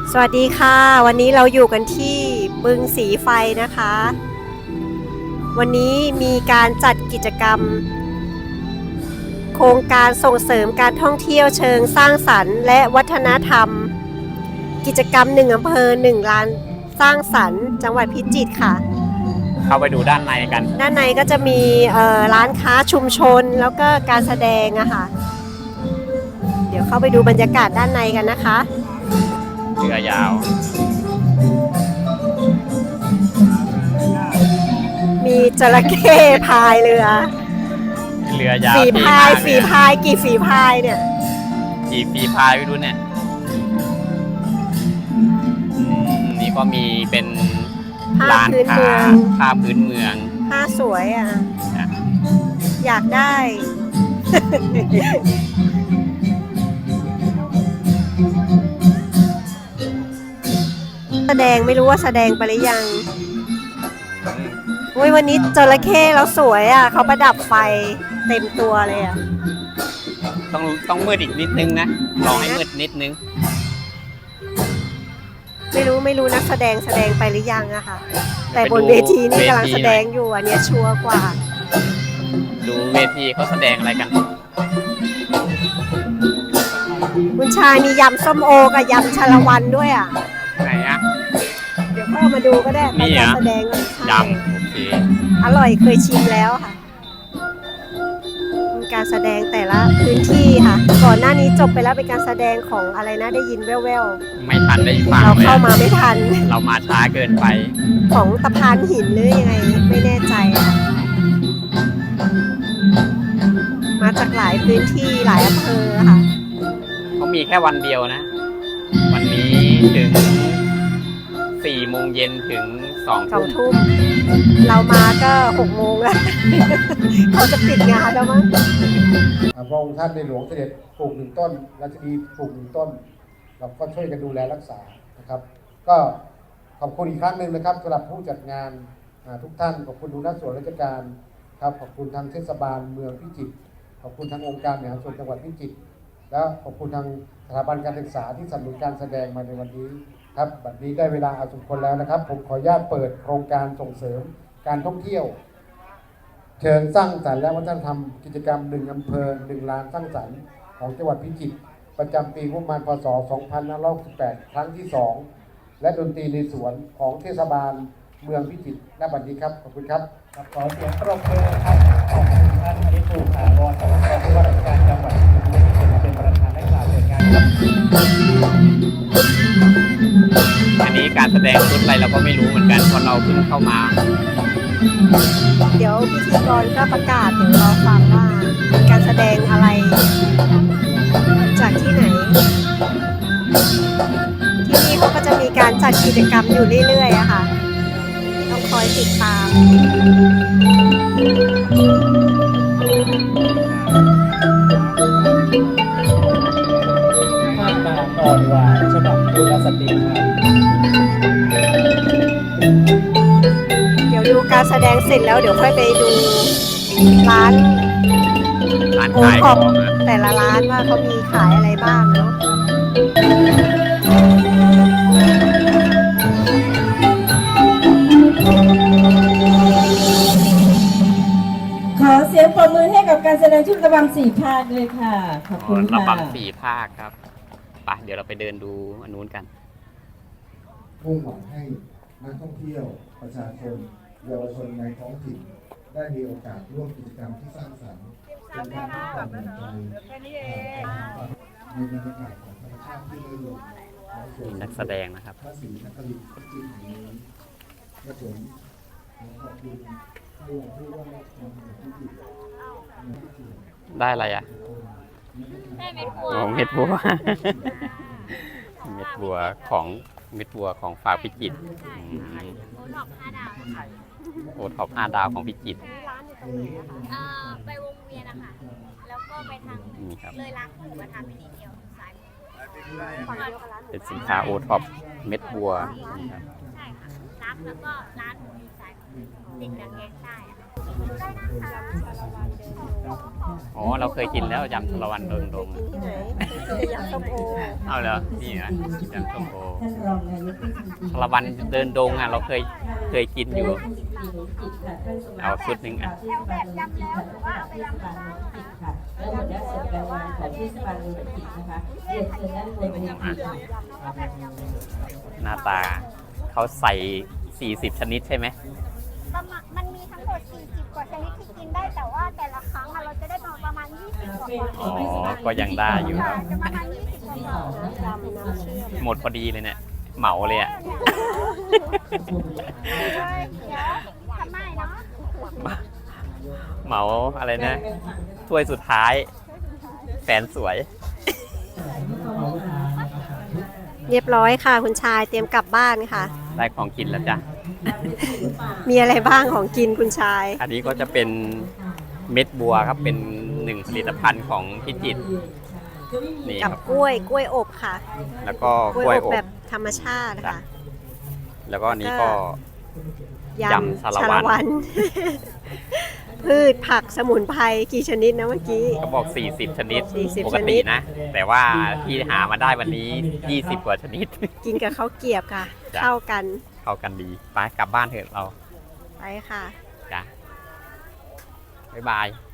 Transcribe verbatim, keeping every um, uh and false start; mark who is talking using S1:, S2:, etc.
S1: สวัสดีค่ะวันนี้เราอยู่กันที่บึงสีไฟนะคะวันนี้มีการจัดกิจกรรมโครงการส่งเสริมการท่องเที่ยวเชิงสร้างสรรค์และวัฒนธรรมกิจกรรมหนึ่งอำเภอหนึ่งลานสร้างสรรค์จังหวัดพิจิตรค่ะ
S2: เข้าไปดูด้านในกัน
S1: ด้านในก็จะมีร้านค้าชุมชนแล้วก็การแสดงอะค่ะเดี๋ยวเข้าไปดูบรรยากาศด้านในกันนะคะ
S2: เรือยาว
S1: มีจระเข้พายเรือ
S2: เรือยาว
S1: ฝีพายฝีพายกี่ฝีพายเนี่ย
S2: กี่ฝีพายไม่รู้เนี่ยนี่ก็มีเป็นร้านค้าผ้าพื้นเมือง
S1: ผ้าสวยอ่ะอยากได้แสดงไม่รู้ว่าแสดงไปหรือยังอุ้ยวันนี้จระเข้แล้วสวยอ่ะเขาประดับไฟเต็มตัวเลยอ่ะ
S2: ต้องต้องมืดอีกนิดนึงนะรอให้มืดนิดนึง
S1: ไม่รู้ไม่รู้นักแสดงแสดงไปหรือยังอะค่ะแต่บนเวทีนี่กำลังแสดงอยู่อันนี้ชัวร์กว่า
S2: ดูเวทีเขาแสดงอะไรกัน
S1: คุณชายมียำส้มโอกับยำชาละวันด้วยอ่ะ
S2: ไหนอะ
S1: เดี๋ยวเข้ามาดูก็ได้ตอนการแสดง
S2: ยำโอเค
S1: อร่อยเคยชิมแล้วค่ะมีการแสดงแต่ละพื้นที่ค่ะก่อนหน้านี้จบไปแล้วเป็นการแสดงของอะไรนะได้ยินแว่ว
S2: ๆไม่ทันได้ฟัง
S1: เราเข้ามาไม่ทัน
S2: เรามาช้าเกินไป
S1: ของตะพานหินหรือยังไงไม่แน่ใจค่ะมาจากหลายพื้นที่หลายอำเภอค่ะ
S2: เขามีแค่วันเดียวนะวันนี้ถึงสี่โมงเย็นถึงสอง
S1: ทุ่มเรามาก็หกโมงแล้วเขาจะปิดงานแล้วมั้ง
S3: พระองค์ท่านในหลวงเสด็จปลูกหนึ่งต้นราชนีปลูกหนึ่งต้นเราก็ช่วยกันดูแลรักษานะครับก็ขอบคุณอีกครั้งหนึ่งนะครับสำหรับผู้จัดงานทุกท่านขอบคุณทุกนักส่วนราชการครับขอบคุณทางเทศบาลเมืองพิจิตรขอบคุณทางองค์การบริหารส่วนจังหวัดพิจิตรและขอบคุณทางสถาบันการศึกษาที่สนับสนุนการแสดงมาในวันนี้ครับบัดนี้ได้เวลาอาสมควรแล้วนะครับผมขออนุญาตเปิดโครงการส่งเสริมการท่องเที่ยวเชิงสร้างสรรค์และวัฒนธรรมกิจกรรมหนึ่งอำเภอหนึ่งลานสร้างสรรค์ของจังหวัดพิจิตรประจำปีงบประมาณพศสองพันห้าร้อยหกสิบแปดครั้งที่สองและดนตรีในสวนของเทศบาลเมืองพิจิตรณบัดนี้ครับขอบคุณครับ
S4: ขอเสียงปรบมือครับขอบคุณท่านอธิภูมิถาวรรองผู้ว่าราชการจังหวัดพิจิตรเป็นประธานและกล่าวเปิดงานครับ
S2: อันนี้การแสดงชุดอะไรเราก็ไม่รู้เหมือนกันเพราะเราเพิ่งเข้ามา
S1: เดี๋ยวพิธีกรก็ประกาศเดี๋ยวรอฟังว่ามีการแสดงอะไรจากที่ไหนที่นี่เขาก็จะมีการจัดกิจกรรมอยู่เรื่อยๆอะค่ะต้องคอยติดตาม
S4: ภาพการอ่อนหวานฉบับกุลสตรีไทย
S1: เดี๋ยวดูการแสดงเสร็จแล้วเดี๋ยวค่อยไปดูร้าน
S2: ร้านขายของ
S1: แต่ละร้านว่าเขามีขายอะไรบ้างเนาะ
S5: ขอเสียงปรบมือให้กับการแสดงชุดระบำสี่ภาคเลยค่ะขอบคุณค่ะ
S2: ระบำสี่ภาคครับไปเดี๋ยวเราไปเดินดูอันนู้นกัน
S3: มุ่งหวังให้นักท่องเที่ยวประชาชนเยาวชนในท้องถิ่นได้มีโอกาสร่วมกิจกรรมที่สร้างสรรค์เป็นการพัฒนาในใจในบรรยากาศของธรรมชาติที่ไม่หลง
S2: นักแสดงนะครับ
S3: พระศรีนครินทร์พิจิตรแห่งนี้และผมขอบคุณผู้ผู้ว่าราชการจังหวัดพิจิตร
S2: ได้อะไรอ่ะ
S6: ได้เม็ดบัว
S2: เม็ดบัวเม็ดบัวของเม็ดบัวของฝากพิจิตรโอท็อปห้าดาวของพิจิตร
S6: ไปวงเวียนนะคะแล้วก็ไปทางเลยร้านหมูกระทะไปนิดเดียวสาย
S2: เป็นสินค้าโอท็อปเม็ดบัว
S6: ใช่ค่ะร้านแล้วก็ร้านหมูสายติดกับแกงใต้
S2: อ๋อ เราเคยกินแล้วยำชาละวันเดินดง
S1: กินที่ไหนเคยกินแต่ยำส้มโอ
S2: เอาเหรอนี่นะยำส้มโอ
S5: ท่านรองนายกเทศมนตรี
S2: ชาละวันเดินดงอ่ะเราเคยเคยกินอยู่ เอาชุดหนึ่งอ่ะ
S5: เทศบาลเมืองพิจิตรค่ะเทศบาลเมืองพิจิตรค่ะและหัวหน้าส่วนการงานของเทศบาลเมืองพิจิตรนะคะเรียนเชิญด้านบนเวทีค่ะ
S2: หน้าตาเขาใส่สี่สิบชนิดใช่ไหม
S6: ประมาณมันมีทั้งหมดสี่สิบกว่าชนิดที่กินได้แต่ว่าแต่ละครั้งอะเราจะได้ประมาณยี่สิบกว่า
S2: อ๋อ ก็ยังได้อยู่ครับ
S6: จะประมาณยี่สิบกว่าบาท
S1: น้ำดำน้ำเชื่อม
S2: หมดพอดีเลยเนี่ย เหมาเลยอ่ะ
S6: เดี๋ยวทำไมเนาะ
S2: เหมาอะไรนะ ถ้วยสุดท้าย แฟนสวย
S1: เรียบร้อยค่ะ คุณชายเตรียมกลับบ้านค่ะ
S2: ได้ของกินแล้วจ้ะ
S1: มีอะไรบ้างของกินคุณชาย
S2: อันนี้ก็จะเป็นเม็ดบัวครับ เป็นหนึ่งผลิตภัณฑ์ของพิจิตรนี่
S1: กับ
S2: ครับ
S1: กล้วยกล้วยอบค่ะ
S2: แล้วก็
S1: กล้
S2: กล้
S1: ว
S2: วย ย
S1: อบ
S2: อบ
S1: แบบธรรมชาติค่ะ
S2: แล้วก็อันนี้ก็
S1: ย
S2: ยำชาละวัน
S1: น พืชผักสมุนไพรกี่ชนิดนะเมื่อกี้
S2: เขาบอก สี่สิบ ชนิด
S1: สี่สิบ
S2: ปก
S1: ชนิ
S2: ติ
S1: ด
S2: นะ แต่ว่าที่หามาได้วันนี้ ยี่สิบ กว่าชนิด
S1: กินกับข้าวเกรียบค่ะ
S2: จ้ะ
S1: เข้ากัน
S2: เข้ากันดี ไปกลับบ้านเถอะเรา
S1: ไปค่ะ
S2: จ้ะบ๊ายบาย